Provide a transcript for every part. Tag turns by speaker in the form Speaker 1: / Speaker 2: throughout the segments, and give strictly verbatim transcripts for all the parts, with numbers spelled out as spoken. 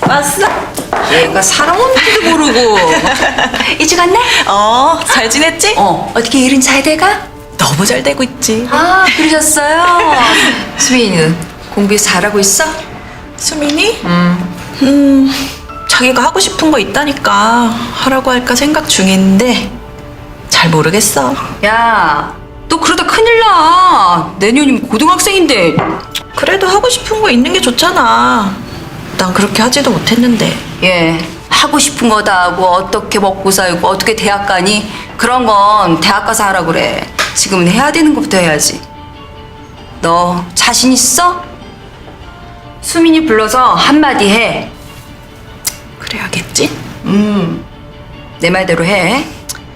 Speaker 1: 왔어? 얘가 사람 없는지도 모르고. 일찍 왔네?
Speaker 2: 어, 잘 지냈지?
Speaker 1: 어, 어떻게 일은 잘 돼가?
Speaker 2: 너무 잘 되고 있지.
Speaker 1: 아, 그러셨어요? 수빈이는 공부 잘하고 있어?
Speaker 2: 수민이? 음. 음, 자기가 하고 싶은 거 있다니까 하라고 할까 생각 중인데 잘 모르겠어.
Speaker 1: 야, 너 그러다 큰일 나. 내년이면 고등학생인데.
Speaker 2: 그래도 하고 싶은 거 있는 게 좋잖아. 난 그렇게 하지도 못했는데.
Speaker 1: 예, 하고 싶은 거 다 하고 어떻게 먹고 살고 어떻게 대학 가니? 그런 건 대학 가서 하라 그래. 지금은 해야 되는 것부터 해야지. 너 자신 있어? 수민이 불러서 한마디 해.
Speaker 2: 그래야겠지?
Speaker 1: 음, 내 말대로 해.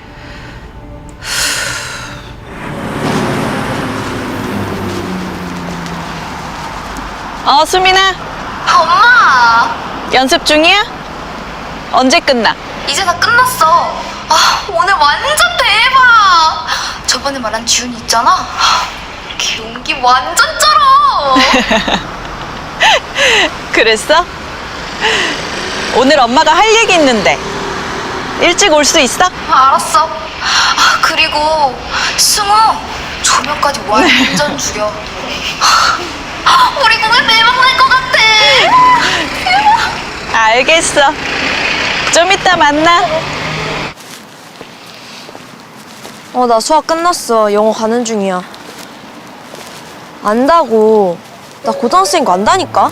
Speaker 3: 어, 수민아.
Speaker 4: 엄마!
Speaker 3: 연습 중이야? 언제 끝나?
Speaker 4: 이제 다 끝났어. 아, 오늘 완전 대박! 저번에 말한 지훈이 있잖아? 걔 연기 완전 쩔어!
Speaker 3: 그랬어? 오늘 엄마가 할 얘기 있는데 일찍 올 수 있어?
Speaker 4: 아, 알았어. 아, 그리고 승우, 조명까지 완전 죽여. 아, 우리 공연 대박 날 것 같아!
Speaker 3: 알겠어. 좀 이따 만나.
Speaker 5: 어, 나 수학 끝났어. 영어 가는 중이야. 안다고. 나 고등학생인 거 안다니까?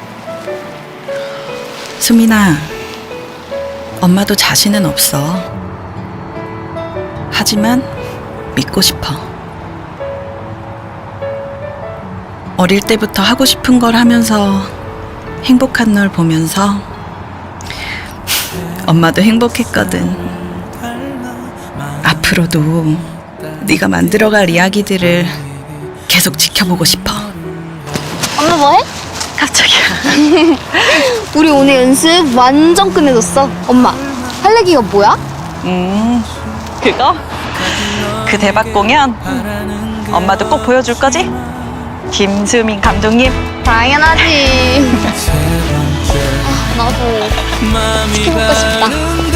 Speaker 2: 수민아, 엄마도 자신은 없어. 하지만 믿고 싶어. 어릴 때부터 하고 싶은 걸 하면서 행복한 널 보면서 엄마도 행복했거든. 앞으로도 네가 만들어갈 이야기들을 계속 지켜보고 싶어.
Speaker 4: 엄마 뭐해?
Speaker 3: 깜짝이야.
Speaker 4: 우리 오늘 연습 완전 끝내줬어. 엄마, 할 얘기가 뭐야?
Speaker 3: 음, 그거? 그 대박 공연 엄마도 꼭 보여줄 거지? 김수민 감독님.
Speaker 4: 당연하지. 아, 나도 지켜보고 싶다.